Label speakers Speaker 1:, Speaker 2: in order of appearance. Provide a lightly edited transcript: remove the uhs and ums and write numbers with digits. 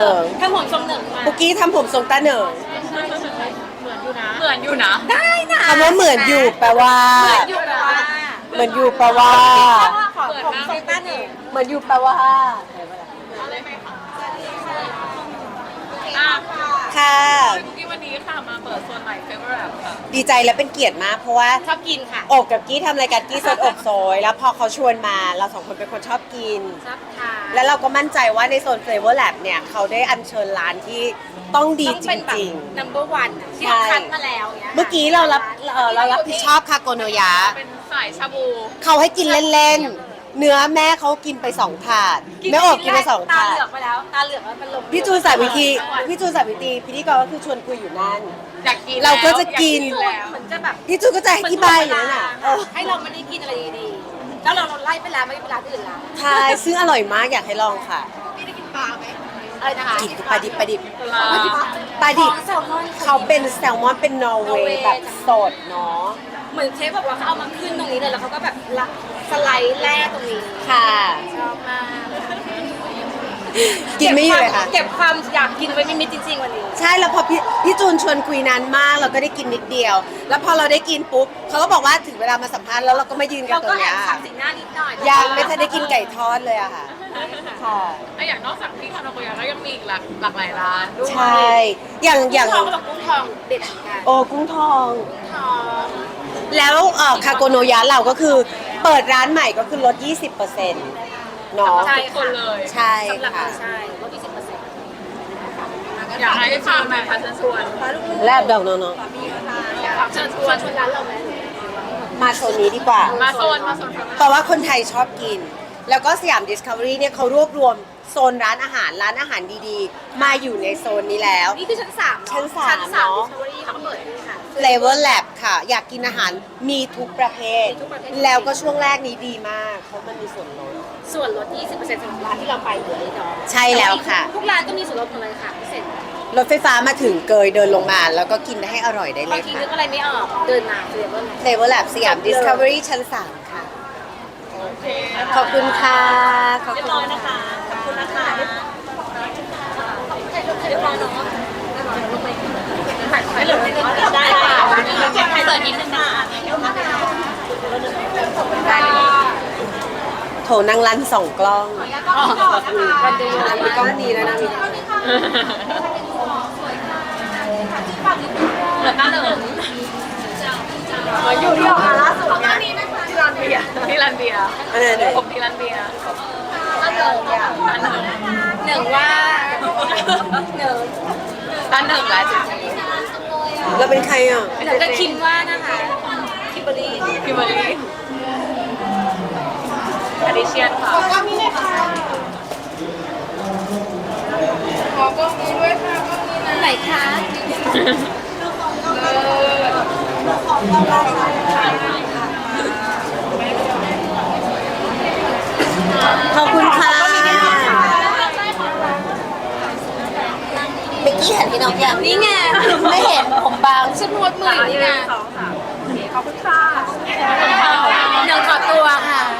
Speaker 1: เออ
Speaker 2: ทำผมทรงหนึ่งมา
Speaker 1: ปุกกี้ทำผมทรงตาเหนิง
Speaker 2: เหมือนอยู่นะ ได้นะ
Speaker 1: คำว่าเหมือนอยู่แปลว่า
Speaker 2: อยู่แปลว่า
Speaker 1: เหมือนอยู่แปลว่า
Speaker 2: ขอผมทรงต้าหนึ่ง
Speaker 1: เหมือนอยู่แปลว่า
Speaker 2: อ่ะ
Speaker 1: ค่ะ
Speaker 2: คุกกี้วันนี้ค่ะมาเปิดโซนใหม่เฟเวอร์แอปค่ะ
Speaker 1: ดีใจและเป็นเกียรติมากเพราะว่า
Speaker 2: ชอบกินค่ะ
Speaker 1: โอบกับกี้ทำรายการกี้สดอบโซยแล้วพอเขาชวนมาเราสองคนเป็นคนชอบกิน
Speaker 2: ชอบทาน
Speaker 1: แล้วเราก็มั่นใจว่าในโซน Flavor Lab เนี่ยเขาได้อัญเชิญร้านที่ต้องดี
Speaker 2: ต้อง
Speaker 1: จ
Speaker 2: เป็นแบบ
Speaker 1: ริง
Speaker 2: number one อะที่
Speaker 1: ใช่
Speaker 2: เราคัดมาแล้วนี่ย
Speaker 1: ๆ เมื่อกี้เรารับผิดชอบคาโกโนยะ
Speaker 2: เป็นสายชาบู
Speaker 1: เขาให้กินเล่นๆ เนื้อแม่เขากินไป2 ถาดแม่โอบกินไป2
Speaker 2: ตา
Speaker 1: ถา
Speaker 2: เห
Speaker 1: ด
Speaker 2: ลือกไปแล้วตาเหลือกแล้วมันลง
Speaker 1: พี่จูนสาวิธีพี่จูนสาวิธีพิธีกรก็คือชวนคุยอยู่นั่น
Speaker 2: อยากกิน
Speaker 1: เราก็จะกิน
Speaker 2: แล้วเหมือนจะแบบ
Speaker 1: พี่จูนก็จะอธิบายอยู่นั่นน่ะเออ
Speaker 2: ให้เราไม่ได้กินอะไรดีๆแล้วเราไล่ไปแล้วไม่ได้ไปร้านอื่นแล้ว
Speaker 1: ใช่ซึ่งอร่อยมากอยากให้ลองค่ะ
Speaker 2: พี่ได้กินปลาไหมอะไรนะคะ
Speaker 1: กินปลาดิบปลาดิบปลาดิบ
Speaker 2: แซลมอน
Speaker 1: เขาเป็นแซลมอนเป็นนอร์เวย์แบบสดเนาะ
Speaker 2: เหมือนเชฟบอกว่าเขาเอามาขึ้นตรงนี้เลยแล้วเขาก็แบบละสไลด์แร่ตรงนี้
Speaker 1: ค่ะ
Speaker 2: ชอบมาก
Speaker 1: กินไม่อยู่เลยค่ะ
Speaker 2: เก็บความอยากกินไว้ไม่มิดจริงๆวันนี้
Speaker 1: ใช่แล้วพอพี่จูนชวนคุยนานมากเราก็ได้กินนิดเดียว แล้วพอเราได้กินปุ๊บเขาก็บอกว่าถึงเวลามาสัมภาษณ์แล้วเราก็มายืนกัน
Speaker 2: เรา
Speaker 1: ตร
Speaker 2: ก็
Speaker 1: ง
Speaker 2: แอ
Speaker 1: เนี้
Speaker 2: บ
Speaker 1: ย
Speaker 2: สับสีหน้านิดหน่อย
Speaker 1: ยังไม่ทันได้กินไก่ทอดเลยอะค่ะค่ะ
Speaker 3: แล้วอย่างนอกจากที่คานาโกยะก็ยังมีอีกหลากหลายร้านด้วย
Speaker 1: ใช่อย่าง
Speaker 2: กุ้งทองเขาบอกกุ้งทองเด็ดเหมือนกัน
Speaker 1: โอ้กุ้งทอง
Speaker 2: ทอง
Speaker 1: แล้วคาโกโนยะเราก็คือเปิดร้านใหม่ก็คือลด 20%เนาะ
Speaker 2: ใช่
Speaker 3: ทุกคนเลย
Speaker 1: ใช่
Speaker 2: สำหรับ
Speaker 1: ค่ะ
Speaker 2: ใช่ลด20%
Speaker 3: อยากให้พามาค่ะเชิญชวน
Speaker 1: แลบดอกเนาะ
Speaker 3: เชิญช
Speaker 2: ช
Speaker 3: ว
Speaker 2: วน นร้านเราไหม
Speaker 1: มาโซนนี้ดีกว่า
Speaker 3: มาโซนค่ะ
Speaker 1: เพราะว่าคนไทยชอบกิน แล้วก็สยาม Discovery เนี่ยเขารวบรวมโซนร้านอาหารดีๆ มาอยู่ในโซนนี้แล้ว
Speaker 2: นี่คือชั้น3
Speaker 1: ชั้นสาม
Speaker 2: ชั้น
Speaker 1: เนอะ
Speaker 2: 3 Discovery เขาเปิดนี่ค่ะ
Speaker 1: Flavor Lab ค่ะ อยากกินอาหารมีทุกประเภท
Speaker 2: มีทุกประเภท
Speaker 1: แล้วก็ช่วงแรกนี้ดีมาก เพราะมันมีส่วนลด
Speaker 2: ส่วนลด 20%สำหรับร้านที่เราไปอยู่นี่เนาะ
Speaker 1: ใช่แล้วค่ะ
Speaker 2: ทุกร้านก็มีส่วนลดหมดเลยค่ะพิเศษ
Speaker 1: รถไฟฟ้ามาถึงเกยเดินลงมา แล้วก็กินให้อร่อยได้เล
Speaker 2: บาง
Speaker 1: ย
Speaker 2: ที
Speaker 1: ค่ะ
Speaker 2: นึกอะไรไม่ออกเดินมาเรียบร้อย
Speaker 1: Flavor Lab สยาม Discovery ชั้น 3 ค่ะ
Speaker 3: โอเค
Speaker 1: ขอบคุณค่ะ ขอบ
Speaker 2: เรีย
Speaker 1: คุ
Speaker 2: บ
Speaker 1: ณ
Speaker 2: ร้อยนะคะ ขอบคุณนะคะเรียบร้อยเนาะไม่เหลือได้ค่ะใครเปิดนิดนึงนะ
Speaker 1: โถนางรัน2 กล้อง
Speaker 2: วันเดียว
Speaker 1: มีกล้องนี้แล้วนะมี
Speaker 3: เหลือหน้าหนึ่ง
Speaker 2: อยู่ที่ออกมาล่าสุดเนี่ย
Speaker 3: ที่ร้านเบียร์ที่ร้านเบียร์
Speaker 1: อันไหน
Speaker 3: ผมที่ร้านเบียร์
Speaker 2: ร้านหนึ่ง
Speaker 3: ร้านหนึ่ง
Speaker 2: หนึ่งว่าหนึ่ง
Speaker 3: ร้านหนึ่งร้านจริง
Speaker 1: เราเป็นใครอ่ะ
Speaker 2: หนึ่งก็คิมว่านะคะคิมเบอรี่
Speaker 3: คิมเบอรี่อดิเชียนค่ะ
Speaker 2: ไหนคะ
Speaker 1: ขอบคุณค่ะเมื่อกี้เห็นพี่น้องยัง
Speaker 2: นี่ไง
Speaker 1: ไม่เห็นผมบาง
Speaker 2: ฉันนวดมืออยู่นี่ไง
Speaker 3: 2 3ขอบคุณค่ะ
Speaker 2: หนึ่งขอตัวค่ะ